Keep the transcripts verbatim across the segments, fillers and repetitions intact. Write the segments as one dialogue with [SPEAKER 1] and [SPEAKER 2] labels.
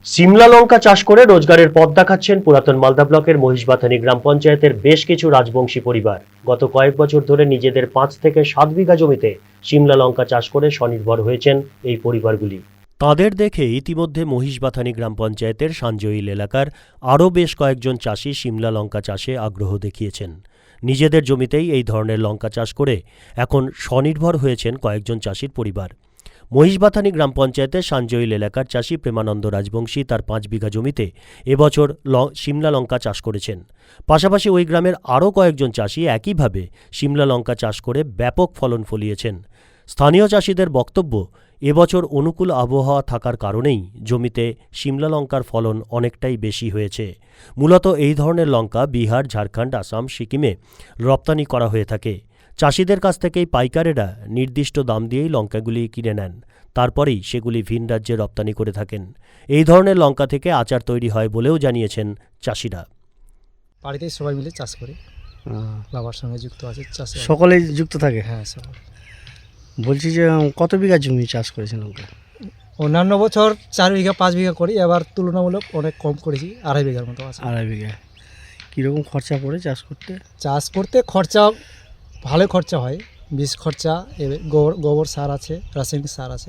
[SPEAKER 1] সিমলা লঙ্কা চাষ করে রোজগারের পথ দেখাচ্ছেন পুরাতন মালদা ব্লকের মহিষবাথানী গ্রাম পঞ্চায়েতের বেশ কিছু রাজবংশী পরিবার। গত কয়েক বছর ধরে নিজেদের পাঁচ থেকে সাত বিঘা জমিতে সিমলা লঙ্কা চাষ করে স্বনির্ভর হয়েছেন এই পরিবারগুলি। তাদের দেখে ইতিমধ্যে মহিষবাথানী গ্রাম পঞ্চায়েতের সাঞ্জইল এলাকার আরও বেশ কয়েকজন চাষি সিমলা লঙ্কা চাষে আগ্রহ দেখিয়েছেন। নিজেদের জমিতেই এই ধরনের লঙ্কা চাষ করে এখন স্বনির্ভর হয়েছেন কয়েকজন চাষির পরিবার। মহিষবাথানী গ্রাম পঞ্চায়েতের সাঞ্জইল এলাকার চাষি প্রেমানন্দ রাজবংশী তার পাঁচ বিঘা জমিতে এবছর সিমলা লঙ্কা চাষ করেছেন। পাশাপাশি ওই গ্রামের আরও কয়েকজন চাষি একইভাবে সিমলা লঙ্কা চাষ করে ব্যাপক ফলন ফলিয়েছেন। স্থানীয় চাষিদের বক্তব্য, এবছর অনুকূল আবহাওয়া থাকার কারণেই জমিতে সিমলা লঙ্কার ফলন অনেকটাই বেশি হয়েছে। মূলত এই ধরনের লঙ্কা বিহার, ঝাড়খণ্ড, আসাম, সিকিমে রপ্তানি করা হয়ে থাকে। চাষিদের কাছ থেকেই পাইকারেরা নির্দিষ্ট দাম দিয়েই লঙ্কাগুলি কিনে নেন, তারপরেই সেগুলি ভিন রাজ্যে রপ্তানি করে থাকেন। এই ধরনের লঙ্কা থেকে আচার তৈরি হয় বলেও জানিয়েছেন চাষিরা।
[SPEAKER 2] বাড়িতে সবাই মিলে চাষ করি, বাবার সঙ্গে যুক্ত আছে চাষ,
[SPEAKER 3] সকলেই যুক্ত থাকে।
[SPEAKER 2] হ্যাঁ সবাই।
[SPEAKER 3] বলছি যে কত বিঘা জমি চাষ করেছেন লঙ্কা?
[SPEAKER 2] অন্যান্য বছর চার বিঘা পাঁচ বিঘা করি, এবার তুলনামূলক অনেক কম করেছি, আড়াই বিঘার মতো আছে।
[SPEAKER 3] আড়াই বিঘা। কীরকম খরচা পড়ে চাষ করতে?
[SPEAKER 2] চাষ করতে খরচা ভালো খরচা হয়, বীজ খরচা, এবার গোবর গোবর সার আছে, রাসায়নিক সার আছে।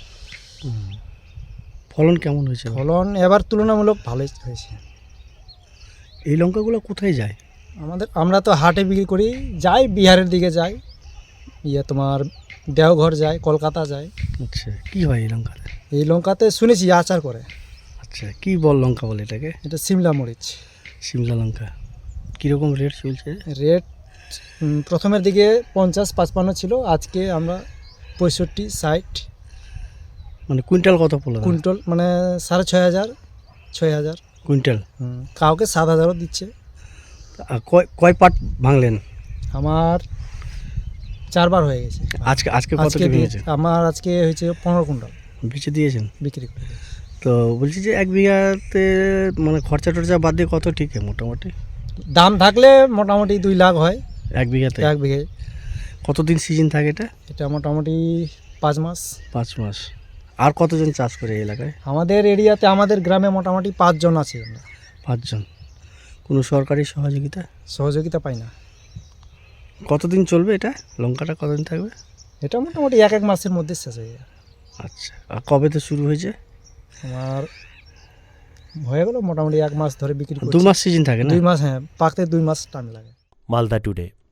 [SPEAKER 3] ফলন কেমন হয়েছে?
[SPEAKER 2] ফলন এবার তুলনামূলক ভালোই হয়েছে।
[SPEAKER 3] এই লঙ্কাগুলো কোথায় যায়?
[SPEAKER 2] আমাদের আমরা তো হাটে বিক্রি করি, যাই বিহারের দিকে যাই, ইয়ে তোমার দেওঘর যায়, কলকাতা যায়।
[SPEAKER 3] আচ্ছা, কী হয় এই লঙ্কাতে?
[SPEAKER 2] এই লঙ্কাতে শুনেছি আচার করে।
[SPEAKER 3] আচ্ছা, কী বল লঙ্কা বলে এটাকে?
[SPEAKER 2] এটা সিমলা মরিচ।
[SPEAKER 3] সিমলা লঙ্কা কীরকম রেট চলছে?
[SPEAKER 2] রেট প্রথমের দিকে পঞ্চাশ পাঁচপান্ন ছিল, আজকে আমরা পঁয়ষট্টি ষাট।
[SPEAKER 3] মানে কুইন্টাল কত পড়লো?
[SPEAKER 2] কুইন্টাল মানে সাড়ে ছয় হাজার ছয় হাজার
[SPEAKER 3] কুইন্টাল।
[SPEAKER 2] কাউকে সাত হাজারও দিচ্ছে।
[SPEAKER 3] আর কয় কয় পাট ভাঙলেন?
[SPEAKER 2] আমার চারবার হয়ে গেছে।
[SPEAKER 3] আজকে আজকে কত
[SPEAKER 2] আজকে
[SPEAKER 3] ভেঙেছে?
[SPEAKER 2] আমার আজকে হয়েছে পনেরো কুইন্টাল
[SPEAKER 3] বেচে দিয়েছেন?
[SPEAKER 2] বিক্রি করে।
[SPEAKER 3] তো বলছি যে এক বিঘাতে মানে খরচা টরচা বাদ দিয়ে কত ঠিক মোটামুটি?
[SPEAKER 2] দাম থাকলে মোটামুটি দুই লাখ হয়
[SPEAKER 3] এক বিঘাতে?
[SPEAKER 2] এক বিঘে।
[SPEAKER 3] কতদিন সিজন থাকে এটা?
[SPEAKER 2] এটা মোটামুটি পাঁচ মাস।
[SPEAKER 3] পাঁচ মাস। আর কতজন চাষ করে এই এলাকায়?
[SPEAKER 2] আমাদের এরিয়াতে, আমাদের গ্রামে মোটামুটি পাঁচজন আছে আমরা।
[SPEAKER 3] পাঁচজন। কোনো সরকারি সহযোগিতা
[SPEAKER 2] সহযোগিতা পাই না।
[SPEAKER 3] কতদিন চলবে এটা? লঙ্কাটা কতদিন থাকবে?
[SPEAKER 2] এটা মোটামুটি এক এক মাসের মধ্যে শেষ হয়ে যায়।
[SPEAKER 3] আচ্ছা, আর কবে তো শুরু হয়েছে?
[SPEAKER 2] আমার হয়ে গেল মোটামুটি এক মাস ধরে বিক্রি করছি।
[SPEAKER 3] দু মাস সিজন থাকে না?
[SPEAKER 2] দুই মাস, হ্যাঁ, পাকতে দুই মাস টাইম লাগে।
[SPEAKER 1] মালদা টুডে।